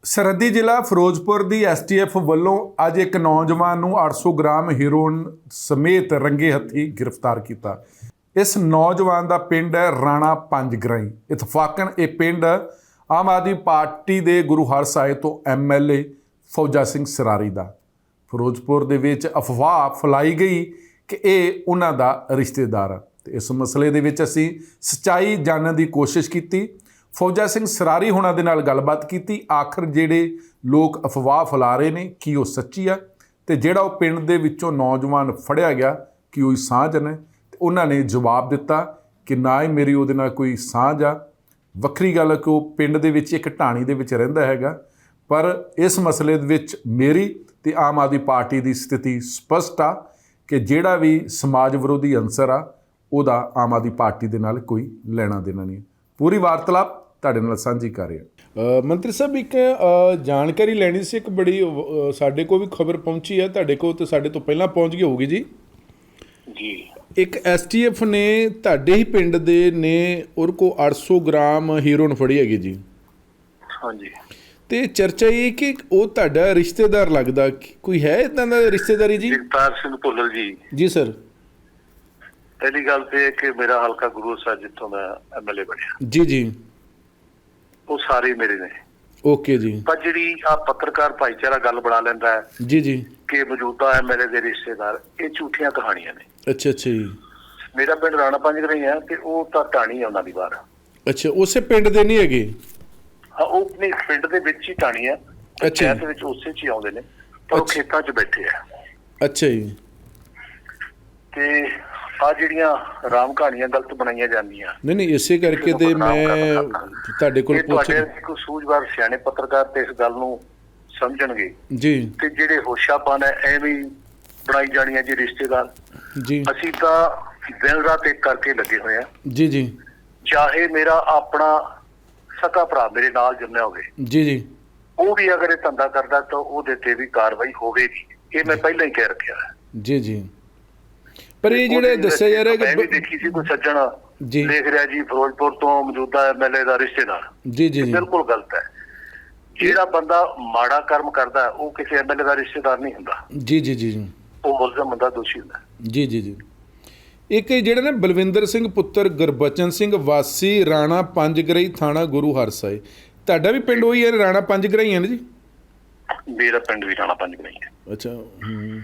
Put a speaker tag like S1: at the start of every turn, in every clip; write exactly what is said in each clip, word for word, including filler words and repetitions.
S1: सरहदी जिला फिरोजपुर की एस टी एफ वालों अज एक नौजवान नूं आठ सौ ग्राम हीरोइन समेत रंगे हथी गिरफ्तार किया। इस नौजवान का पिंड है राणा पंज ग्राई। इतफाकन ये पिंड आम आदमी पार्टी के गुरु हरसाए तो एम एल ए फौजा सिंह सरारी का। फिरोजपुर दे विच अफवाह फैलाई गई कि ये उन्हां दा रिश्तेदार है। ते इस मसले दे विच असीं सच्चाई जानने की कोशिश की। फौजा सिंह सरारी होना दे नाल गलबात की। आखिर जिहड़े लोग अफवाह फैला रहे ने कि वो सच्ची आ ते जिहड़ा वो पिंड दे विचों नौजवान फड़िया गया कि वो साझ ने, ते उन्होंने जवाब दिता कि ना ही मेरी उहदे नाल कोई साझ आ। वक्री गल कि वो पिंड दे विच एक ढाणी दे विच रहिंदा हैगा, पर इस मसले दे विच मेरी ते आम आदमी पार्टी की स्थिति स्पष्ट आ कि जिहड़ा भी समाज विरोधी अंसर आ उहदा आम आदमी पार्टी दे नाल कोई लेना देना नहीं। पूरी वार्तालाप ਤੁਹਾਡੇ ਨਾਲ ਸਾਂਝੀ ਕਰ ਰਿਹਾ।
S2: ਮੰਤਰੀ ਸਾਹਿਬ ਇੱਕ ਜਾਣਕਾਰੀ ਲੈਣੀ ਸੀ। ਇੱਕ ਬੜੀ ਸਾਡੇ ਕੋਲ ਵੀ ਖਬਰ ਪਹੁੰਚੀ ਹੈ, ਤੁਹਾਡੇ ਕੋਲ ਤੇ ਸਾਡੇ ਤੋਂ ਪਹਿਲਾਂ ਪਹੁੰਚ ਗਈ ਹੋਊਗੀ ਜੀ
S3: ਜੀ।
S2: ਇੱਕ ਐਸ ਟੀ ਐਫ ਨੇ ਤੁਹਾਡੇ ਹੀ ਪਿੰਡ ਦੇ ਨੇ ਉਹਦੇ ਕੋਲ ਅੱਠ ਸੌ ਗ੍ਰਾਮ ਹੀਰੋਇਨ ਫੜੀ ਹੈਗੀ ਜੀ।
S3: ਹਾਂਜੀ।
S2: ਤੇ ਚਰਚਾ ਇਹ ਕਿ ਉਹ ਤੁਹਾਡਾ ਰਿਸ਼ਤੇਦਾਰ ਲੱਗਦਾ, ਕੋਈ ਹੈ ਇਦਾਂ ਦਾ ਰਿਸ਼ਤੇਦਾਰੀ ਜੀ?
S3: ਜਗਤਾਰ ਸਿੰਘ ਭੁੱਲਰ ਜੀ।
S2: ਜੀ ਸਰ।
S3: ਪਹਿਲੀ ਗੱਲ ਤੇ ਕਿ ਮੇਰਾ ਹਲਕਾ ਗੁਰੂ ਸਾਹਿਬ ਜਿੱਥੋਂ ਮੈਂ ਐਮ ਐਲ ਏ ਬਣਿਆ
S2: ਜੀ ਜੀ
S3: ਉਹ ਸਾਰੇ ਮੇਰੇ ਨੇ।
S2: ਓਕੇ ਜੀ।
S3: ਪਰ ਜਿਹੜੀ ਆ ਪੱਤਰਕਾਰ ਭਾਈਚਾਰਾ ਗੱਲ ਬਣਾ ਲੈਂਦਾ ਹੈ
S2: ਜੀ ਜੀ
S3: ਕਿ ਮੌਜੂਦਾ ਐਮ ਐਲ ਏ ਦੇ ਰਿਸ਼ਤੇਦਾਰ, ਇਹ ਝੂਠੀਆਂ ਕਹਾਣੀਆਂ ਨੇ।
S2: ਅੱਛਾ ਅੱਛਾ ਜੀ।
S3: ਮੇਰਾ ਪਿੰਡ ਰਾਣਾ ਪੰਜ ਗਰਾਈ ਹੈ ਤੇ ਉਹ ਤਾਂ ਢਾਣੀ ਆ ਉਹਨਾਂ ਦੀ ਬਾਹਰ।
S2: ਅੱਛਾ, ਉਸੇ ਪਿੰਡ ਦੇ ਨਹੀਂ ਹੈਗੇ?
S3: ਹਾਂ, ਉਹ ਆਪਣੇ ਪਿੰਡ ਦੇ ਵਿੱਚ ਹੀ ਢਾਣੀ ਆ।
S2: ਅੱਛਾ
S3: ਦੇ ਵਿੱਚ ਉਸੇ ਚ ਹੀ ਆਉਂਦੇ ਨੇ, ਪਰ ਉਹ ਖੇਤਾਂ ਚ ਬੈਠੇ ਆ।
S2: ਅੱਛਾ ਜੀ।
S3: ਤੇ ਆ ਜਿਹੜੀਆਂ ਰਾਮ ਕਹਾਣੀਆਂ ਗਲਤ ਬਣਾਈਆਂ ਜਾਂਦੀਆਂ।
S2: ਨਹੀਂ ਨਹੀਂ, ਇਸੇ ਕਰਕੇ ਤੇ ਮੈਂ ਤੁਹਾਡੇ ਕੋਲ ਪੁੱਛ
S3: ਤੁਹਾਡੇ ਕੋਈ ਸੂਝਵਾਰ ਸਿਆਣੇ ਪੱਤਰਕਾਰ ਤੇ ਇਸ ਗੱਲ ਨੂੰ ਸਮਝਣਗੇ
S2: ਜੀ।
S3: ਤੇ ਜਿਹੜੇ ਹੋਸ਼ਾਪਨ ਹੈ ਐਵੇਂ ਬਣਾਈ ਜਾਣੀਆਂ ਜੀ ਰਿਸ਼ਤੇਦਾਰ।
S2: ਜੀ
S3: ਅਸੀਂ ਤਾਂ ਦਿਨ ਰਾਤ ਇੱਕ ਕਰਕੇ ਲੱਗੇ ਹੋਏ ਆ। ਜੀ
S2: ਜੀ
S3: ਚਾਹੇ ਮੇਰਾ ਆਪਣਾ ਸਕਾ ਭਰਾ ਮੇਰੇ ਨਾਲ ਜੰਮਿਆ ਹੋਵੇ,
S2: ਜੀ ਜੀ
S3: ਉਹ ਵੀ ਅਗਰ ਇਹ ਧੰਦਾ ਕਰਦਾ ਤਾਂ ਉਹਦੇ ਤੇ ਵੀ ਕਾਰਵਾਈ ਹੋਵੇਗੀ। ਇਹ ਮੈਂ ਪਹਿਲਾਂ ਹੀ ਕਹਿ ਰੱਖਿਆ ਹੈ।
S2: ਜੀ ਜੀ। ਪਰ ਇਹ ਜਿਹੜੇ ਦੱਸਿਆ ਜਾ ਰਿਹਾ ਕਿ
S3: ਮੈਂ ਵੀ ਦੇਖੀ ਸੀ ਕੋਈ ਸੱਜਣ
S2: ਜੀ
S3: ਦੇਖ ਰਿਹਾ ਜੀ ਫਿਰੋਜ਼ਪੁਰ ਤੋਂ ਮੌਜੂਦਾ ਐਮ ਐਲ ਏ ਦਾ ਰਿਸ਼ਤੇਦਾਰ।
S2: ਜੀ ਜੀ
S3: ਬਿਲਕੁਲ ਗਲਤ ਹੈ। ਜਿਹੜਾ ਬੰਦਾ ਮਾੜਾ ਕਰਮ ਕਰਦਾ ਉਹ ਕਿਸੇ ਐਮ ਐਲ ਏ ਦਾ ਰਿਸ਼ਤੇਦਾਰ ਨਹੀਂ ਹੁੰਦਾ।
S2: ਜੀ ਜੀ ਜੀ
S3: ਉਹ ਮੁਲਜ਼ਮ ਹੁੰਦਾ, ਦੋਸ਼ੀ ਹੁੰਦਾ।
S2: ਜੀ ਜੀ ਜੀ। ਇੱਕ ਜਿਹੜਾ ਨਾ ਬਲਵਿੰਦਰ ਸਿੰਘ ਪੁੱਤਰ ਗੁਰਬਚਨ ਸਿੰਘ ਵਾਸੀ ਰਾਣਾ ਪੰਜ ਗਰਾਈ ਥਾਣਾ ਗੁਰੂ ਹਰਸਾਏ, ਤੁਹਾਡਾ ਵੀ ਪਿੰਡ ਉਹੀ ਹੈ ਰਾਣਾ ਪੰਜ ਗਰਾਈ ਹੈ ਨਾ ਜੀ?
S3: ਮੇਰਾ ਪਿੰਡ ਵੀ ਰਾਣਾ ਪੰਜ ਗਰਾਈ ਹੈ।
S2: ਅੱਛਾ। ਹੂੰ।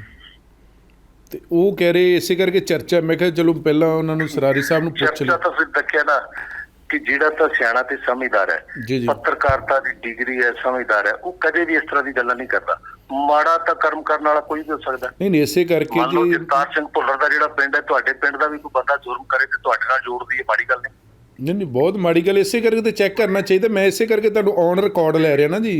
S2: ਤੇ ਉਹ ਕਹਿ ਰਹੇ ਇਸੇ ਕਰਕੇ ਚਰਚਾ, ਮੈਂ ਕਿਹਾ ਚਲੋ ਪਹਿਲਾਂ ਉਹਨਾਂ ਨੂੰ ਸਰਾਰੀ ਸਾਹਿਬ ਨੂੰ ਪੁੱਛ ਲਿਆ।
S3: ਤਾਂ ਫਿਰ ਦੇਖਿਆ ਨਾ ਕਿ ਜਿਹੜਾ ਤਾਂ ਸਿਆਣਾ ਤੇ ਸਮਝਦਾਰ ਹੈ,
S2: ਜੀ ਜੀ
S3: ਪੱਤਰਕਾਰਤਾ ਦੀ ਡਿਗਰੀ ਹੈ, ਸਮਝਦਾਰ ਹੈ, ਉਹ ਕਦੇ ਵੀ ਇਸ ਤਰ੍ਹਾਂ ਦੀ ਗੱਲਾਂ ਨਹੀਂ ਕਰਦਾ। ਮਾੜਾ ਤਾਂ ਕਰਮ ਕਰਨ ਵਾਲਾ ਕੋਈ ਵੀ ਹੋ ਸਕਦਾ।
S2: ਨਹੀਂ ਨਹੀਂ, ਇਸੇ ਕਰਕੇ ਜੀ
S3: ਜਗਤਾਰ ਸਿੰਘ ਭੁੱਲਰ ਦਾ ਜਿਹੜਾ ਪਿੰਡ ਹੈ, ਤੁਹਾਡੇ ਪਿੰਡ ਦਾ ਵੀ ਕੋਈ ਬੰਦਾ ਜੁਰਮ ਕਰੇ ਤੇ ਤੁਹਾਡੇ ਨਾਲ ਜੋੜਦੀ ਹੈ, ਮਾੜੀ ਗੱਲ ਨਹੀਂ।
S2: ਨਹੀਂ ਨਹੀਂ, ਬਹੁਤ ਮਾੜੀ ਗੱਲ। ਇਸੇ ਕਰਕੇ ਤੇ ਚੈੱਕ ਕਰਨਾ ਚਾਹੀਦਾ। ਮੈਂ ਇਸੇ ਕਰਕੇ ਤੁਹਾਨੂੰ ਔਨ ਰਿਕਾਰਡ ਲੈ ਰਿਹਾ ਨਾ ਜੀ।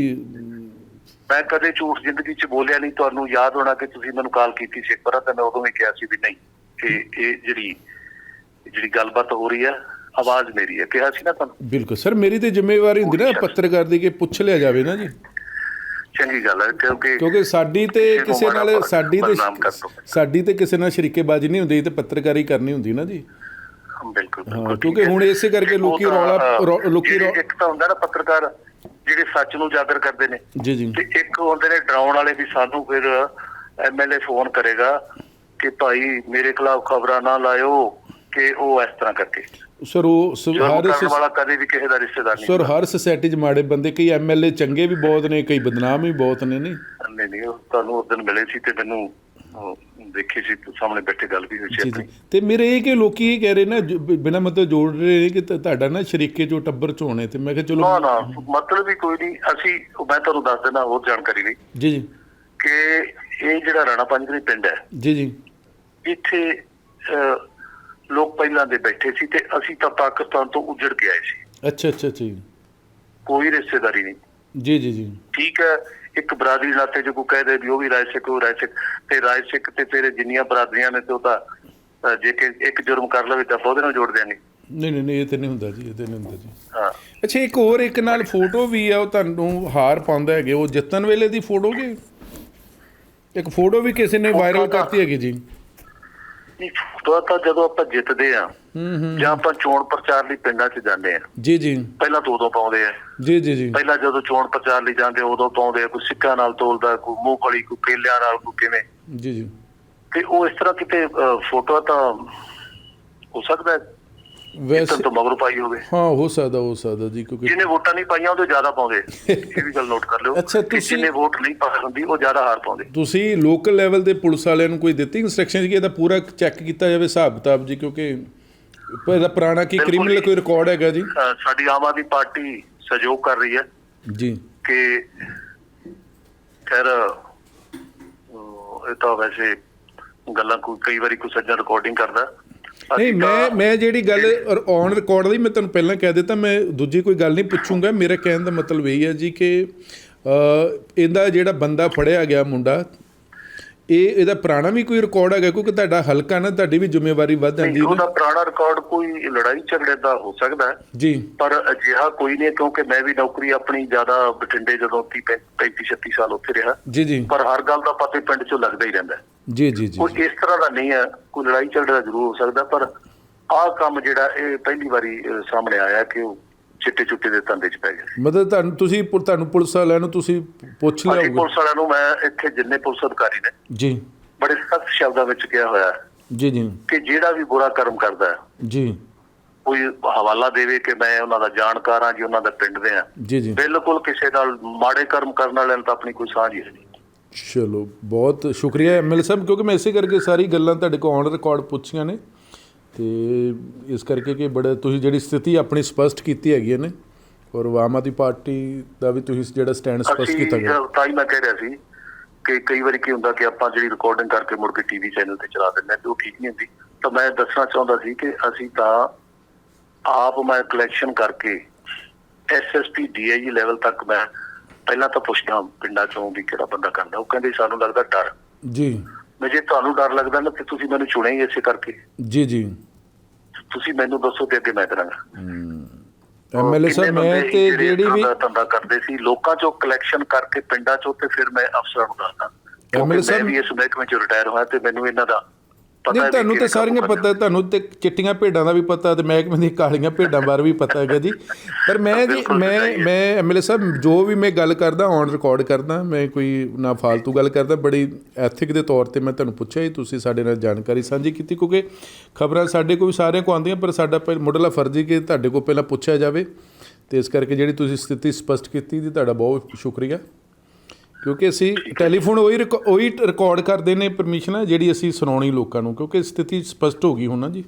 S3: ਮੈਂ ਕਦੇ ਝੂਠ ਜ਼ਿੰਦਗੀ 'ਚ ਬੋਲਿਆ ਨਹੀਂ। ਤੁਹਾਨੂੰ ਯਾਦ ਹੋਣਾ ਕਿ ਤੁਸੀਂ ਮੈਨੂੰ ਕਾਲ ਕੀਤੀ ਸੀ ਇੱਕ ਵਾਰ, ਤਾਂ ਮੈਂ ਉਦੋਂ ਵੀ ਕਿਹਾ ਸੀ ਵੀ ਨਹੀਂ, ਇਹ ਇਹ ਜਿਹੜੀ ਜਿਹੜੀ ਗੱਲਬਾਤ ਹੋ ਰਹੀ ਹੈ ਆਵਾਜ਼ ਮੇਰੀ ਹੈ, ਕਿਹਾ ਸੀ ਨਾ ਤੁਹਾਨੂੰ।
S2: ਬਿਲਕੁਲ ਸਰ, ਮੇਰੀ ਤੇ ਜ਼ਿੰਮੇਵਾਰੀ ਹੁੰਦੀ ਨਾ ਪੱਤਰਕਾਰ ਦੀ ਕਿ ਪੁੱਛ ਲਿਆ ਜਾਵੇ ਨਾ ਜੀ।
S3: ਚੰਗੀ ਗੱਲ ਹੈ, ਕਿਉਂਕਿ
S2: ਕਿਉਂਕਿ ਸਾਡੀ ਤੇ ਕਿਸੇ ਨਾਲ ਸਾਡੀ ਤੇ ਸਾਡੀ ਤੇ ਕਿਸੇ ਨਾਲ ਸ਼ਰੀਕੇਬਾਜ਼ੀ ਨਹੀਂ ਹੁੰਦੀ ਤੇ ਪੱਤਰਕਾਰੀ ਕਰਨੀ ਹੁੰਦੀ ਨਾ ਜੀ।
S3: ਬਿਲਕੁਲ
S2: ਹਾਂ, ਕਿਉਂਕਿ ਹੁਣ ਇਸੇ ਕਰਕੇ ਲੋਕੀ ਰੌਲਾ ਲੋਕੀ
S3: ਇੱਕ ਤਾਂ ਹੁੰਦਾ ਨਾ ਪੱਤਰਕਾਰ ਜਿਹੜੇ ਸੱਚ ਨੂੰ ਉਜਾਗਰ ਕਰਦੇ ਨੇ,
S2: ਜੀ ਜੀ,
S3: ਤੇ ਇੱਕ ਹੁੰਦੇ ਨੇ ਡਰਾਉਣ ਵਾਲੇ ਵੀ ਸਾਨੂੰ ਫਿਰ ਐਮ ਐਲ ਏ ਫੋਨ ਕਰੇਗਾ ਕਿ ਭਾਈ ਮੇਰੇ ਖਿਲਾਫ ਖਬਰਾਂ ਨਾ ਲਾਇਓ ਕਿ ਉਹ ਇਸ ਤਰ੍ਹਾਂ ਕਰਕੇ। ਸਰ ਉਹ ਹਰ ਵਾਲਾ ਕਦੇ ਵੀ ਕਿਸੇ ਦਾ ਰਿਸ਼ਤੇਦਾਰ ਨਹੀਂ।
S2: ਸਰ ਹਰ ਸੁਸਾਇਟੀ 'ਚ ਮਾੜੇ ਬੰਦੇ, ਕਈ ਐਮ ਐਲ ਏ ਚੰਗੇ ਵੀ ਬਹੁਤ ਨੇ, ਕਈ ਬਦਨਾਮ ਵੀ ਬਹੁਤ ਨੇ। ਨਹੀਂ
S3: ਨਹੀਂ ਨਹੀਂ, ਉਹ ਤੁਹਾਨੂੰ ਉਸ ਦਿਨ ਮਿਲੇ ਸੀ ਤੇ ਮੈਨੂੰ ਦੇਖੀ ਸੀ, ਸਾਹਮਣੇ ਬੈਠੇ ਗੱਲ ਵੀ ਹੋਈ ਸੀ ਆਪਣੀ। ਤੇ
S2: ਮੇਰੇ ਇਹ ਕਿ ਲੋਕੀ ਇਹ ਕਹਿ ਰਹੇ ਨਾ ਬਿਨਾਂ ਮਤਲਬ ਜੋੜ ਰਹੇ ਨੇ ਕਿ ਤੁਹਾਡਾ ਨਾ ਸ਼ਰੀਕੇ ਚੋਂ ਟੱਬਰ ਚੋਂ ਹੋਣੇ, ਤੇ ਮੈਂ ਕਿਹਾ ਚਲੋ
S3: ਨਾ ਨਾ, ਮਤਲਬ ਵੀ ਕੋਈ ਨਹੀਂ। ਅਸੀਂ ਮੈਂ ਤੁਹਾਨੂੰ ਦੱਸ ਦਿੰਦਾ ਹੋਰ ਜਾਣਕਾਰੀ ਲਈ
S2: ਜੀ ਜੀ
S3: ਕਿ ਇਹ ਜਿਹੜਾ ਰਾਣਾ ਪੰਜ ਗਰਾਈ ਪਿੰਡ ਹੈ
S2: ਜੀ ਜੀ,
S3: ਇੱਥੇ ਲੋਕ ਪਹਿਲਾਂ ਦੇ ਬੈਠੇ ਸੀ ਤੇ ਅਸੀਂ ਤਾਂ ਪਾਕਿਸਤਾਨ ਤੋਂ ਉੱਜੜ ਕੇ ਆਏ ਸੀ।
S2: ਅੱਛਾ ਅੱਛਾ ਅੱਛਾ ਜੀ। ਕੋਈ
S3: ਰਿਸ਼ਤੇਦਾਰੀ ਨਹੀਂ।
S2: ਜੀ ਜੀ ਜੀ
S3: ਠੀਕ ਹੈ। ਇੱਕ ਬਰਾਦਰੀ ਨਾਤੇ ਜੇ ਕੋਈ ਕਹਿ ਦੇ ਵੀ ਉਹ ਵੀ ਰਾਏ ਸਿੱਖ, ਉਹ ਰਾਏ ਸਿੱਖ, ਤੇ ਰਾਏ ਸਿੱਖ ਤੇ ਤੇਰੇ ਜਿੰਨੀਆਂ ਬਰਾਦਰੀਆਂ ਨੇ ਤੇ ਉਹ ਤਾਂ ਜੇ ਕਿ ਇੱਕ ਜੁਰਮ ਕਰ ਲਵੇ ਤਾਂ ਉਹਦੇ ਨਾਲ ਜੋੜ ਦਿਆਂਗੇ।
S2: ਨਹੀਂ ਨਹੀਂ ਨਹੀਂ, ਇਹ ਤੇ ਨਹੀਂ ਹੁੰਦਾ ਜੀ, ਇਹ ਤੇ ਨਹੀਂ ਹੁੰਦਾ ਜੀ।
S3: ਹਾਂ।
S2: ਅੱਛਾ, ਇੱਕ ਹੋਰ ਇੱਕ ਨਾਲ ਫੋਟੋ ਵੀ ਆ, ਉਹ ਤੁਹਾਨੂੰ ਹਾਰ ਪਾਉਂਦਾ ਹੈਗੇ, ਉਹ ਜਿੱਤਣ ਵੇਲੇ ਦੀ ਫੋਟੋ ਕਿ ਇੱਕ ਫੋਟੋ ਵੀ ਕਿਸੇ ਨੇ ਵਾਇਰਲ ਕਰਤੀ ਹੈਗੀ ਜੀ?
S3: ਫੋਟੋ ਤਾਂ ਜਦੋਂ ਆਪਾਂ ਜਿੱਤਦੇ ਆ ਜਾਂ ਆਪਾਂ ਚੋਣ ਪ੍ਰਚਾਰ ਲਈ ਪਿੰਡਾਂ 'ਚ ਜਾਂਦੇ ਆ,
S2: ਜੀ ਜੀ
S3: ਪਹਿਲਾਂ ਦੋ ਦੋ ਪਾਉਂਦੇ ਆ।
S2: ਜੀ ਜੀ ਜੀ
S3: ਪਹਿਲਾਂ ਜਦੋਂ ਚੋਣ ਪ੍ਰਚਾਰ ਲਈ ਜਾਂਦੇ ਉਦੋਂ ਪਾਉਂਦੇ ਆ, ਕੋਈ ਸਿੱਕਾਂ ਨਾਲ ਤੋਲਦਾ, ਕੋਈ ਮੂੰਗਫਲੀ, ਕੋਈ ਕੇਲਿਆਂ ਨਾਲ, ਕੋਈ ਕਿਵੇਂ।
S2: ਜੀ ਜੀ
S3: ਤੇ ਉਹ ਇਸ ਤਰ੍ਹਾਂ ਕਿਤੇ ਫੋਟੋ ਤਾਂ ਹੋ ਸਕਦਾ
S2: ਵੈਸੇ
S3: ਤੋਂ ਮਗਰੋਂ ਪਾਈ ਹੋਵੇ।
S2: ਹਾਂ ਹੋ ਸਕਦਾ ਹੋ ਸਕਦਾ ਜੀ, ਕਿਉਂਕਿ
S3: ਜਿਹਨੇ ਵੋਟਾਂ ਨਹੀਂ ਪਾਈਆਂ ਉਹਦੇ ਜ਼ਿਆਦਾ ਪਾਉਂਦੇ, ਇਹ ਵੀ ਗੱਲ ਨੋਟ ਕਰ ਲਿਓ।
S2: ਅੱਛਾ,
S3: ਕਿ
S2: ਤੁਸੀਂ-
S3: ਜਿਹਨੇ ਵੋਟ ਨਹੀਂ ਪਾਈ ਹੁੰਦੀ ਉਹ ਜ਼ਿਆਦਾ ਹਾਰ ਪਾਉਂਦੇ।
S2: ਤੁਸੀਂ ਲੋਕਲ ਲੈਵਲ ਦੇ ਪੁਲਿਸ ਵਾਲਿਆਂ ਨੂੰ ਕੋਈ ਦਿੱਤੀ ਇੰਸਟਰਕਸ਼ਨ ਕਿ ਇਹਦਾ ਪੂਰਾ ਚੈੱਕ ਕੀਤਾ ਜਾਵੇ ਹਿਸਾਬ ਕਿਤਾਬ ਜੀ, ਕਿਉਂਕਿ ਇਹਦਾ ਪੁਰਾਣਾ ਕੀ
S3: ਬਿਲਕੁਲ
S2: ਕ੍ਰਿਮੀਨਲ
S3: ਜੀ।
S2: ਕੋਈ ਰਿਕਾਰਡ ਹੈਗਾ ਜੀ?
S3: ਅਹ ਸਾਡੀ ਆਮ ਆਦਮੀ ਪਾਰਟੀ ਸਹਿਯੋਗ ਕਰ ਰਹੀ ਹੈ
S2: ਜੀ
S3: ਕਿ ਖੈਰ ਅਹ ਇਹ ਤਾਂ ਵੈਸੇ ਗੱਲਾਂ ਕੋਈ ਕਈ ਵਾਰੀ ਕੋਈ ਸੱਜਣ ਰਿਕਾਰਡਿੰਗ ਕਰਦਾ।
S2: ਨਹੀਂ,
S3: ਅਸੀਂ
S2: ਮੈਂ
S3: ਤਾਂ-
S2: ਮੈਂ ਜਿਹੜੀ ਗੱਲ ਔਨ ਰਿਕਾਰਡ ਦੀ ਮੈਂ ਤੁਹਾਨੂੰ ਪਹਿਲਾਂ ਕਹਿ ਦਿੱਤਾ, ਮੈਂ ਦੂਜੀ ਕੋਈ ਗੱਲ ਨਹੀਂ ਪੁੱਛੂੰਗਾ। ਮੇਰਾ ਕਹਿਣ ਦਾ ਮਤਲਬ ਇਹ ਹੈ ਜੀ ਕਿ ਅ, ਇਹਦਾ ਜਿਹੜਾ ਬੰਦਾ ਫੜਿਆ ਗਿਆ ਮੁੰਡਾ, ਇਹ ਇਹਦਾ ਪੁਰਾਣਾ ਵੀ ਕੋਈ ਰਿਕਾਰਡ ਹੈਗਾ? ਕਿਉਂਕਿ ਤੁਹਾਡਾ ਹਲਕਾ ਨਾ, ਤੁਹਾਡੀ ਵੀ ਜ਼ਿੰਮੇਵਾਰੀ ਵੱਧ ਜਾਂਦੀ
S3: ਨਹੀਂ,
S2: ਹੈ
S3: ਉਹਦਾ
S2: ਨਾ।
S3: ਪੁਰਾਣਾ ਰਿਕਾਰਡ ਕੋਈ ਲੜਾਈ ਝਗੜੇ ਦਾ ਹੋ ਸਕਦਾ ਹੈ,
S2: ਜੀ
S3: ਪਰ ਅਜਿਹਾ ਕੋਈ ਨਹੀਂ, ਕਿਉਂਕਿ ਮੈਂ ਵੀ ਨੌਕਰੀ ਆਪਣੀ ਜ਼ਿਆਦਾ ਬਠਿੰਡੇ ਜਦੋਂ ਪੈਂਤੀ ਛੱਤੀ ਸਾਲ ਉੱਥੇ ਰਿਹਾ,
S2: ਜੀ ਜੀ
S3: ਪਰ ਹਰ ਗੱਲ ਦਾ ਪਤਾ ਪਿੰਡ 'ਚੋਂ ਲੱਗਦਾ ਹੀ ਰਹਿੰਦਾ।
S2: ਜੀ ਜੀ ਜੀ
S3: ਕੋਈ ਇਸ ਤਰ੍ਹਾਂ ਦਾ ਨਹੀਂ ਹੈ, ਕੋਈ ਲੜਾਈ ਝਗੜੇ ਦਾ ਜ਼ਰੂਰ ਹੋ ਸਕਦਾ, ਪਰ ਆਹ ਕੰਮ ਜਿਹੜਾ ਇਹ ਪਹਿਲੀ ਵਾਰੀ ਅਹ, ਸਾਹਮਣੇ ਆਇਆ ਕਿ ਉਹ ਚਿੱਟੇ ਚੁੱਟੇ ਦੇ ਧੰਦੇ 'ਚ ਪੈ ਗਿਆ।
S2: ਮਤਲਬ ਤੁਹਾਨੂੰ ਤੁਸੀਂ ਤੁਹਾਨੂੰ ਪੁਲਿਸ ਵਾਲਿਆਂ ਨੂੰ ਤੁਸੀਂ ਪੁੱਛ ਲਿਆ
S3: ਅਸੀਂ
S2: ਹੋਊਗਾ?
S3: ਪੁਲਿਸ ਵਾਲਿਆਂ ਨੂੰ, ਮੈਂ ਇੱਥੇ ਜਿੰਨੇ ਪੁਲਿਸ ਅਧਿਕਾਰੀ ਨੇ
S2: ਜੀ
S3: ਬੜੇ ਸਖਤ ਸ਼ਬਦਾਂ ਵਿੱਚ ਕਿਹਾ ਹੋਇਆ ਹੈ
S2: ਜੀ ਜੀ
S3: ਕਿ ਜਿਹੜਾ ਵੀ ਬੁਰਾ ਕਰਮ ਕਰਦਾ ਹੈ
S2: ਜੀ
S3: ਕੋਈ ਹਵਾਲਾ ਦੇਵੇ ਕਿ ਮੈਂ ਉਹਨਾਂ ਦਾ ਜਾਣਕਾਰ ਹਾਂ ਜੀ, ਉਹਨਾਂ ਦਾ ਪਿੰਡ ਦੇ ਆ।
S2: ਜੀ ਜੀ
S3: ਬਿਲਕੁਲ ਕਿਸੇ ਨਾਲ ਮਾੜੇ ਕਰਮ ਕਰਨ ਵਾਲਿਆਂ ਨਾਲ ਤਾਂ ਆਪਣੀ ਕੋਈ ਸਾਂਝ ਹੀ ਨਹੀਂ।
S2: ਚਲੋ ਬਹੁਤ ਸ਼ੁਕਰੀਆ ਐਮਐਲ ਸਾਹਿਬ, ਕਿਉਂਕਿ ਮੈਂ ਇਸੇ ਕਰਕੇ ਸਾਰੀ ਗੱਲਾਂ ਤੁਹਾਡੇ ਕੋਲ ਔਨ ਰਿਕਾਰਡ ਪੁੱਛੀਆਂ ਨੇ, ਤੇ ਇਸ ਕਰਕੇ ਕਿ ਬੜਾ ਤੁਸੀਂ ਜਿਹੜੀ ਸਥਿਤੀ ਆਪਣੀ ਸਪਸ਼ਟ ਕੀਤੀ ਹੈਗੀ ਹੈ ਨੇ, ਔਰ ਆਮ ਆਦਮੀ ਪਾਰਟੀ ਦਾ ਵੀ ਤੁਸੀਂ ਜਿਹੜਾ ਸਟੈਂਡ ਸਪਸ਼ਟ
S3: ਅਸੀਂ
S2: ਕੀਤਾ ਗਿਆ।
S3: ਤਾਂ ਹੀ ਮੈਂ ਕਹਿ ਰਿਹਾ ਸੀ ਕਿ ਕਈ ਵਾਰੀ ਕੀ ਹੁੰਦਾ ਕਿ ਆਪਾਂ ਜਿਹੜੀ ਰਿਕਾਰਡਿੰਗ ਕਰਕੇ ਮੁੜ ਕੇ ਟੀਵੀ ਚੈਨਲ ਤੇ ਚਲਾ ਦਿੰਦੇ ਹਾਂ ਤੇ ਉਹ ਠੀਕ ਨਹੀਂ ਹੁੰਦੀ। ਤਾਂ ਮੈਂ ਦੱਸਣਾ ਚਾਹੁੰਦਾ ਸੀ ਕਿ ਅਸੀਂ ਤਾਂ ਆਪ ਮੈਂ ਕਲੈਕਸ਼ਨ ਕਰਕੇ ਐਸਐਸਪੀ ਡੀਆਈਜੀ ਲੈਵਲ ਤੱਕ ਮੈਂ ਪਹਿਲਾਂ ਤਾਂ ਪੁੱਛਦਾ ਪਿੰਡਾਂ ਚੋਂ ਵੀ ਕਿਹੜਾ ਬੰਦਾ ਕਰਦਾ, ਉਹ ਕਹਿੰਦੇ ਸਾਨੂੰ ਲੱਗਦਾ ਡਰ।
S2: ਜੀ
S3: ਮੈਂ ਜੇ ਤੁਹਾਨੂੰ ਡਰ ਲੱਗਦਾ ਨਾ ਤੇ ਤੁਸੀਂ ਮੈਨੂੰ ਚੁਣਿਆ ਹੀ ਇਸੇ ਕਰਕੇ।
S2: ਜੀ ਜੀ
S3: ਤੁਸੀਂ ਮੈਨੂੰ ਦੱਸੋ ਤੇ ਅੱਗੇ ਮੈਂ ਕਰਾਂਗਾ।
S2: ਐਮਐਲਏ ਸਾਹਿਬ,
S3: ਕਿੰਨੇ
S2: ਮੈਂ
S3: ਬੰਦੇ
S2: ਤੇ
S3: ਜਿਹੜੇ
S2: ਜਿਹੜੀ ਵੀ
S3: ਧੰਦਾ ਧੰਦਾ ਕਰਦੇ ਸੀ ਲੋਕਾਂ ਚੋਂ ਕਲੈਕਸ਼ਨ ਕਰਕੇ ਪਿੰਡਾਂ ਚੋਂ, ਤੇ ਫਿਰ ਮੈਂ ਅਫਸਰਾਂ ਨੂੰ ਦੱਸਦਾ ਕਿਉਂਕਿ
S2: ਐਮਐਲਏ ਸਾਹਿਬ
S3: ਮੈਂ ਵੀ ਇਸ ਮਹਿਕਮੇ ਚੋਂ ਰਿਟਾਇਰ ਹੋਇਆ ਤੇ ਮੈਨੂੰ ਇਹਨਾਂ ਦਾ ਪਤਾ
S2: ਨਹੀਂ,
S3: ਹੈ ਵੀ
S2: ਤੁਹਾਨੂੰ ਤੇ
S3: ਕਿਹੜੇ
S2: ਸਾਰੀਆਂ
S3: ਕੰਮ
S2: ਪਤਾ, ਤੁਹਾਨੂੰ ਤੇ ਚਿੱਟੀਆਂ ਭੇਡਾਂ ਦਾ ਵੀ ਪਤਾ ਤੇ ਮਹਿਕਮੇ ਦੀਆਂ ਕਾਲੀਆਂ ਭੇਡਾਂ ਬਾਰੇ ਵੀ ਪਤਾ ਹੈਗਾ ਜੀ। ਪਰ ਮੈਂ ਜੀ
S3: ਬਿਲਕੁਲ
S2: ਮੈਂ
S3: ਸਹੀ ਹੈ।
S2: ਮੈਂ ਐਮਐਲਏ ਸਾਹਿਬ ਜੋ ਵੀ ਮੈਂ ਗੱਲ ਕਰਦਾ ਔਨ ਰਿਕਾਰਡ ਕਰਦਾ, ਮੈਂ ਕੋਈ ਨਾ ਫਾਲਤੂ ਗੱਲ ਕਰਦਾ, ਬੜੀ ਐਥਿਕ ਦੇ ਤੌਰ ਤੇ ਮੈਂ ਤੁਹਾਨੂੰ ਪੁੱਛਿਆ ਜੀ, ਤੁਸੀਂ ਸਾਡੇ ਨਾਲ ਜਾਣਕਾਰੀ ਸਾਂਝੀ ਕੀਤੀ, ਕਿਉਂਕਿ ਖਬਰਾਂ ਸਾਡੇ ਕੋਲ ਵੀ ਸਾਰਿਆਂ ਕੋਲ ਆਉਂਦੀਆਂ, ਪਰ ਸਾਡਾ ਪਹਿਲ ਮੁੱਢਲਾ ਫਰਜ਼ ਹੀ ਕਿ ਤੁਹਾਡੇ ਕੋਲ ਪਹਿਲਾਂ ਪੁੱਛਿਆ ਜਾਵੇ, ਤੇ ਇਸ ਕਰਕੇ ਜਿਹੜੀ ਤੁਸੀਂ ਸਥਿਤੀ ਸਪਸ਼ਟ ਕੀਤੀ ਜੀ, ਤੁਹਾਡਾ ਬਹੁਤ ਸ਼ੁਕਰੀਆ। ਕਿਉਂਕਿ ਅਸੀਂ ਟੈਲੀਫੋਨ ਉਹੀ ਰਿਕ ਉਹੀ ਰਿਕਾਰਡ ਕਰਦੇ ਨੇ ਪਰਮਿਸ਼ਨ ਜਿਹੜੀ ਅਸੀਂ ਸੁਣਾਉਣੀ ਲੋਕਾਂ ਨੂੰ, ਕਿਉਂਕਿ ਸਥਿਤੀ ਸਪਸ਼ਟ ਹੋ ਗਈ ਹੁਣ ਨਾ ਜੀ।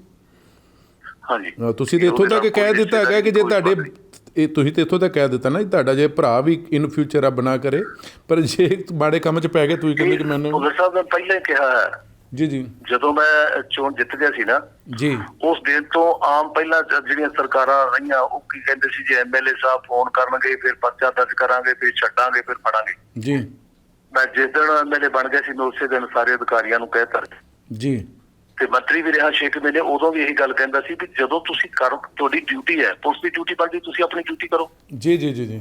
S3: ਹਾਂਜੀ,
S2: ਅ, ਤੁਸੀਂ ਤੇ ਇੱਥੋਂ ਤੱਕ ਕਹਿ ਦਿੱਤਾ ਹੈਗਾ ਕਿ ਜੇ ਤੁਹਾਡੇ ਇਹ ਤੁਸੀਂ ਤੇ ਇੱਥੋਂ ਤੱਕ ਕਹਿ ਦਿੱਤਾ ਨਾ ਜੀ, ਤੁਹਾਡਾ ਜੇ ਭਰਾ ਵੀ ਇਨ ਫਿਊਚਰ ਰੱਬ ਨਾ ਕਰੇ, ਪਰ ਜੇ ਮਾੜੇ ਕੰਮ 'ਚ ਪੈ ਗਏ ਤੁਸੀਂ ਕਹਿੰਦੇ ਕਿ ਮੈਨੂੰ।
S3: ਭੁੱਲਰ ਸਾਹਿਬ ਨੇ ਪਹਿਲਾਂ ਹੀ ਕਿਹਾ ਹੈ,
S2: ਜੀ ਜੀ
S3: ਜਦੋਂ ਮੈਂ ਚੋਣ ਜਿੱਤ ਗਿਆ ਸੀ ਨਾ,
S2: ਜੀ
S3: ਉਸ ਦਿਨ ਤੋਂ ਆਮ ਪਹਿਲਾਂ ਜਿਹੜੀਆਂ ਸਰਕਾਰਾਂ ਰਹੀਆਂ ਉਹ ਕੀ ਕਹਿੰਦੇ ਸੀ, ਜੇ ਐਮਐਲਏ ਸਾਹਿਬ ਫੋਨ ਕਰਨਗੇ ਫਿਰ ਪਰਚਾ ਦਰਜ ਕਰਾਂਗੇ, ਫਿਰ ਛੱਡਾਂਗੇ, ਫਿਰ ਫੜਾਂਗੇ।
S2: ਜੀ
S3: ਮੈਂ ਜਿਸ ਦਿਨ ਐਮਐਲਏ ਬਣ ਗਿਆ ਸੀ ਮੈਂ ਉਸੇ ਦਿਨ ਸਾਰੇ ਅਧਿਕਾਰੀਆਂ ਨੂੰ ਕਹਿ ਤਾ,
S2: ਜੀ
S3: ਤੇ ਮੰਤਰੀ ਵੀ ਰਿਹਾ ਛੇ ਕੁ ਮਹੀਨੇ, ਉਦੋਂ ਵੀ ਇਹੀ ਗੱਲ ਕਹਿੰਦਾ ਸੀ ਵੀ ਜਦੋਂ ਤੁਸੀਂ ਕਰੋ, ਤੁਹਾਡੀ ਡਿਊਟੀ ਹੈ, ਪੁਲਿਸ ਦੀ ਡਿਊਟੀ ਬਣਦੀ, ਤੁਸੀਂ ਆਪਣੀ ਡਿਊਟੀ ਕਰੋ।
S2: ਜੀ ਜੀ ਜੀ ਜੀ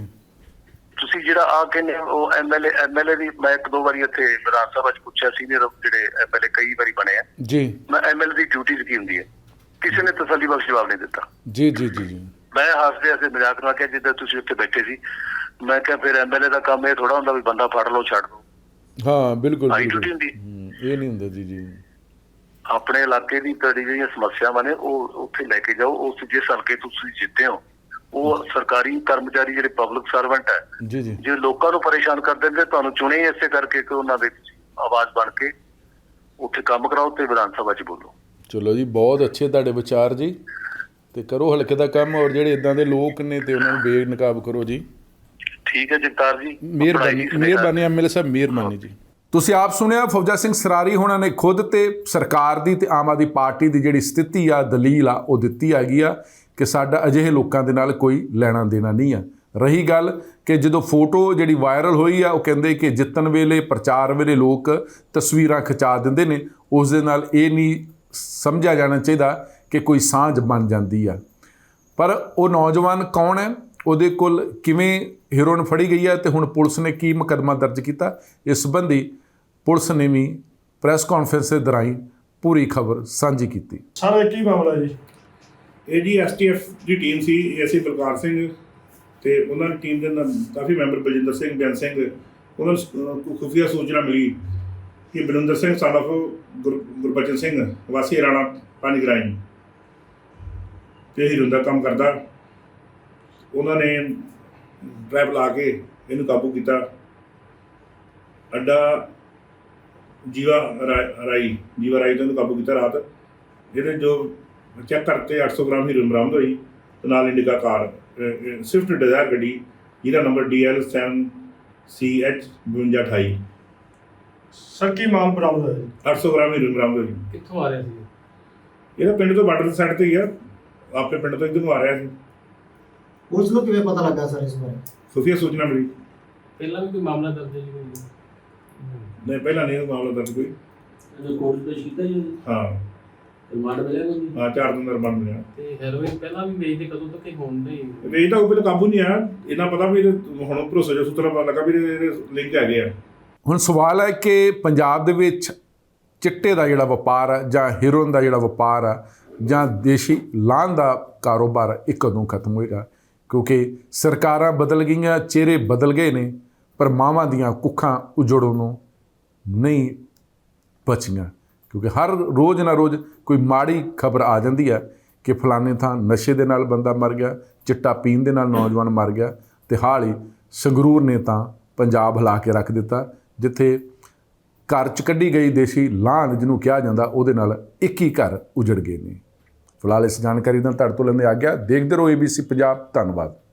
S3: ਤੁਸੀਂ ਜਿਹੜਾ ਆ ਕਹਿੰਦੇ ਉਹ ਐਮਐਲਏ ਐਮਐਲਏ ਦੀ, ਮੈਂ ਇੱਕ ਦੋ ਵਾਰੀ ਇੱਥੇ ਵਿਧਾਨ ਸਭਾ 'ਚ ਪੁੱਛਿਆ, ਸੀਨੀਅਰ ਜਿਹੜੇ ਐਮਐਲਏ ਕਈ ਵਾਰੀ ਬਣੇ ਆ,
S2: ਜੀ
S3: ਮੈਂ ਐਮਐਲਏ ਦੀ ਡਿਊਟੀ ਕੀ ਹੁੰਦੀ ਹੈ, ਕਿਸੇ ਨੇ ਤਸੱਲੀ ਬਖਸ਼ ਜਵਾਬ ਨਹੀਂ ਦਿੱਤਾ।
S2: ਜੀ ਜੀ ਜੀ ਜੀ
S3: ਮੈਂ ਹੱਸਦੇ ਹੱਸਦੇ ਮਜ਼ਾਕ ਨਾਲ ਕਿਹਾ ਜਿੱਦਾਂ ਤੁਸੀਂ ਉੱਥੇ ਬੈਠੇ ਸੀ, ਮੈਂ ਕਿਹਾ ਫਿਰ ਐਮਐਲਏ ਦਾ ਕੰਮ ਇਹ ਥੋੜਾ ਹੁੰਦਾ ਵੀ ਬੰਦਾ ਫੜ ਲਓ ਛੱਡ ਦਿਓ,
S2: ਹਾਂ ਬਿਲਕੁਲ
S3: ਆਹੀ
S2: ਬਿਲਕੁਲ।
S3: ਡਿਊਟੀ ਹੁੰਦੀ।
S2: ਹੂੰ, ਇਹ ਨਹੀਂ ਹੁੰਦਾ ਜੀ ਜੀ।
S3: ਆਪਣੇ ਇਲਾਕੇ ਦੀ ਤੁਹਾਡੀ ਜਿਹੜੀਆਂ ਸਮੱਸਿਆਵਾਂ ਨੇ ਉਹ ਉੱਥੇ ਲੈ ਕੇ ਜਾਓ, ਉਸ ਜਿਸ ਹਲਕੇ ਤੋਂ ਤੁਸੀਂ ਜਿੱਤੇ ਹੋ ਉਹ ਸਰਕਾਰੀ ਕਰਮਚਾਰੀ ਜਿਹੜੇ ਪਬਲਿਕ ਸਰਵੈਂਟ ਹੈ,
S2: ਜੀ ਜੀ
S3: ਜੇ ਲੋਕਾਂ ਨੂੰ ਪਰੇਸ਼ਾਨ ਕਰ ਦਿੰਦੇ, ਤੁਹਾਨੂੰ ਚੁਣੇ ਇਸੇ ਕਰਕੇ ਕਿ ਉਹਨਾਂ ਦੇ ਆਵਾਜ਼ ਬਣ ਕੇ ਉੱਥੇ ਕੰਮ ਕਰਾਓ ਤੇ ਵਿਧਾਨ ਸਭਾ 'ਚ ਬੋਲੋ।
S2: ਚਲੋ ਜੀ, ਬਹੁਤ ਅੱਛੇ ਤੁਹਾਡੇ ਵਿਚਾਰ ਜੀ, ਤੇ ਕਰੋ ਹਲਕੇ ਦਾ ਕੰਮ, ਔਰ ਜਿਹੜੇ ਇਦਾਂ ਦੇ ਲੋਕ ਨੇ ਤੇ ਉਹਨਾਂ ਨੂੰ ਬੇਨਕਾਬ ਕਰੋ ਜੀ।
S3: ਠੀਕ ਹੈ ਜਗਤਾਰ ਜੀ,
S2: ਮਿਹਰਬਾਨੀ ਮਿਹਰਬਾਨੀ ਐਮਐਲਏ ਸਾਹਿਬ, ਮਿਹਰਬਾਨੀ ਜੀ।
S1: ਤੁਸੀਂ ਆਪ ਸੁਣਿਆ ਫੌਜਾ ਸਿੰਘ ਸਰਾਰੀ ਹੋਣਾ ਨੇ ਖੁਦ ਤੇ ਸਰਕਾਰ ਦੀ ਤੇ ਆਮ ਆਦਮੀ ਪਾਰਟੀ ਦੀ ਜਿਹੜੀ ਸਥਿਤੀ ਆ, ਦਲੀਲ ਆ, ਉਹ ਦਿੱਤੀ ਹੈਗੀ ਆ ਕਿ ਸਾਡਾ ਅਜਿਹੇ ਲੋਕਾਂ ਦੇ ਨਾਲ ਕੋਈ ਲੈਣਾ ਦੇਣਾ ਨਹੀਂ ਆ। ਰਹੀ ਗੱਲ ਕਿ ਜਦੋਂ ਫੋਟੋ ਜਿਹੜੀ ਵਾਇਰਲ ਹੋਈ ਆ, ਉਹ ਕਹਿੰਦੇ ਕਿ ਜਿੱਤਣ ਵੇਲੇ ਪ੍ਰਚਾਰ ਵੇਲੇ ਲੋਕ ਤਸਵੀਰਾਂ ਖਿਚਾ ਦਿੰਦੇ ਨੇ, ਉਸ ਦੇ ਨਾਲ ਇਹ ਨਹੀਂ ਸਮਝਿਆ ਜਾਣਾ ਚਾਹੀਦਾ ਕਿ ਕੋਈ ਸਾਂਝ ਬਣ ਜਾਂਦੀ ਆ। ਪਰ ਉਹ ਨੌਜਵਾਨ ਕੌਣ ਹੈ, ਉਹਦੇ ਕੋਲ ਕਿਵੇਂ ਹੀਰੋਇਨ ਫੜੀ ਗਈ ਹੈ, ਤੇ ਹੁਣ ਪੁਲਿਸ ਨੇ ਕੀ ਮੁਕੱਦਮਾ ਦਰਜ ਕੀਤਾ, ਇਸ ਸੰਬੰਧੀ ਪੁਲਿਸ ਨੇ ਵੀ ਪ੍ਰੈਸ ਕਾਨਫਰੰਸ ਦੇ ਦੌਰਾਨ ਪੂਰੀ ਖਬਰ ਸਾਂਝੀ ਕੀਤੀ।
S4: ਸਰ ਕੀ ਮਾਮਲਾ ਜੀ? ਇਹ ਜੀ ਐਸ ਟੀ ਐਫ ਦੀ ਟੀਮ ਸੀ, ਏਸੀ ਬਲਕਾਰ ਸਿੰਘ ਤੇ ਉਹਨਾਂ ਦੀ ਟੀਮ ਦੇ ਨਾਲ ਕਾਫੀ ਮੈਂਬਰ ਬਲਜਿੰਦਰ ਸਿੰਘ, ਬੇਅੰਤ ਸਿੰਘ, ਉਹਨਾਂ ਨੂੰ ਅਹ, ਖੁਫੀਆ ਸੂਚਨਾ ਮਿਲੀ ਕਿ ਬਲਵਿੰਦਰ ਸਿੰਘ son of ਗੁਰ ਗੁਰਬਚਨ ਸਿੰਘ ਵਾਸੀ ਰਾਣਾ ਪੰਜ ਗਰਾਈ ਤੇ ਹੀਰੋਇਨ ਦਾ ਕੰਮ ਕਰਦਾ। ਉਹਨਾਂ ਨੇ ਟਰੈਪ ਲਾ ਕੇ ਇਹਨੂੰ ਕਾਬੂ ਕੀਤਾ। ਅੱਡਾ ਜੀਵਾ ਰਾ- ਰਾਈ ਜੀਵਾ ਰਾਈ ਤੋਂ ਇਹਨੂੰ ਕਾਬੂ ਕੀਤਾ ਰਾਤ। ਇਹਦੇ ਜੋ ਚੈੱਕ ਕਰਤੇ ਅੱਠ ਸੌ ਗ੍ਰਾਮ ਹੀਰੋਇਨ ਬਰਾਮਦ ਹੋਈ ਤੇ ਨਾਲ ਇੰਡੀਕਾ ਕਾਰ ਸਵਿਫਟ ਡਿਜ਼ਾਇਰ ਗੱਡੀ ਜਿਹਦਾ number D L seven C H ਬਵੰਜਾ ਅਠਾਈ।
S5: ਸਰ ਕੀ ਮਾਲ ਬਰਾਮਦ ਹੋਇਆ ਜੀ?
S4: ਅੱਠ ਸੌ ਗ੍ਰਾਮ ਹੀਰੋਇਨ ਬਰਾਮਦ ਹੋਈ।
S5: ਕਿੱਥੋਂ ਆ ਰਿਹਾ ਸੀ?
S4: ਇਹਦਾ ਪਿੰਡ ਤੋਂ ਬਾਰਡਰ ਦੀ ਸਾਈਡ ਤੇ ਹੀ ਆ, ਆਪਣੇ ਪਿੰਡ ਤੋਂ ਇੱਧਰ ਨੂੰ ਆ ਰਿਹਾ ਸੀ।
S6: ਪੁਲਿਸ ਨੂੰ ਕਿਵੇਂ ਪਤਾ ਲੱਗਾ ਸਰ ਇਸ ਬਾਰੇ?
S4: ਖੁਫੀਆ ਸੂਚਨਾ ਮਿਲੀ।
S5: ਪਹਿਲਾਂ ਵੀ ਕੋਈ ਮਾਮਲਾ ਦਰਜ ਹੈ ਜੀ ਕੋਈ?
S4: ਨਹੀਂ ਪਹਿਲਾਂ ਨਹੀਂ ਇਹ ਮਾਮਲਾ ਦਰਜ ਕੋਈ।
S7: ਇਹਨੇ ਕੋਰਟ ਪੇਸ਼ ਕੀਤਾ ਜੀ ਉਹਨੂੰ?
S4: ਹਾਂ
S7: ਰਿਮਾਂਡ ਮਿਲਿਆ ਕੋਈ?
S4: ਹਾਂ ਚਾਰ ਦਿਨ ਦਾ ਰਿਮਾਂਡ ਮਿਲਿਆ।
S5: ਤੇ ਹੈਰੋਇਨ ਪਹਿਲਾਂ ਵੀ ਵੇਚਦੇ ਕਦੋਂ ਤੱਕ ਇਹ ਹੋਣ ਨਹੀਂ?
S4: ਤੇ ਇਹ ਤਾਂ ਉਹ ਪਹਿਲਾਂ ਕਾਬੂ ਨਹੀਂ ਆਇਆ। ਇਹਨਾਂ ਪਤਾ ਵੀ ਇਹਦੇ ਹੁਣ ਭਰੋਸੇ ਜੋ ਸੂਤਰਾਂ ਪਤਾ ਲੱਗਾ ਵੀ ਇਹਦੇ ਲਿੰਕ ਹੈਗੇ ਆ।
S1: ਹੁਣ ਸਵਾਲ ਹੈ ਕਿ ਪੰਜਾਬ ਦੇ ਵਿੱਚ ਚਿੱਟੇ ਦਾ ਜਿਹੜਾ ਵਪਾਰ ਆ ਜਾਂ ਹੀਰੋਇਨ ਦਾ ਜਿਹੜਾ ਵਪਾਰ ਆ ਜਾਂ ਦੇਸ਼ੀ ਲਾਹਨ ਦਾ ਕਾਰੋਬਾਰ ਆ, ਇਹ ਕਦੋਂ ਖਤਮ ਹੋਏਗਾ? ਕਿਉਂਕਿ ਸਰਕਾਰਾਂ ਬਦਲ ਗਈਆਂ, ਚਿਹਰੇ ਬਦਲ ਗਏ ਨੇ, ਪਰ ਮਾਵਾਂ ਦੀਆਂ ਕੁੱਖਾਂ ਉਜੜੋਂ ਨੂੰ ਨਹੀਂ ਬਚੀਆਂ। ਕਿਉਂਕਿ ਹਰ ਰੋਜ਼ ਨਾ ਰੋਜ਼ ਕੋਈ ਮਾੜੀ ਖਬਰ ਆ ਜਾਂਦੀ ਹੈ ਕਿ ਫਲਾਣੇ ਥਾਂ ਨਸ਼ੇ ਦੇ ਨਾਲ ਬੰਦਾ ਮਰ ਗਿਆ, ਚਿੱਟਾ ਪੀਣ ਦੇ ਨਾਲ ਨੌਜਵਾਨ ਮਰ ਗਿਆ, ਤੇ ਹਾਲ ਹੀ ਸੰਗਰੂਰ ਨੇ ਤਾਂ ਪੰਜਾਬ ਹਿਲਾ ਕੇ ਰੱਖ ਦਿੱਤਾ, ਜਿੱਥੇ ਘਰ 'ਚ ਕੱਢੀ ਗਈ ਦੇਸ਼ੀ ਲਾਹਨ ਜਿਹਨੂੰ ਕਿਹਾ ਜਾਂਦਾ ਉਹਦੇ ਨਾਲ ਇੱਕੀ ਘਰ ਉਜੜ ਗਏ ਨੇ। ਫਿਲਹਾਲ ਇਸ ਜਾਣਕਾਰੀ ਨਾਲ ਤੁਹਾਡੇ ਤੋਂ ਲੈਂਦੇ ਆ ਗਿਆ। ਦੇਖਦੇ ਰਹੋ ਏ ਬੀ ਸੀ ਪੰਜਾਬ। ਧੰਨਵਾਦ।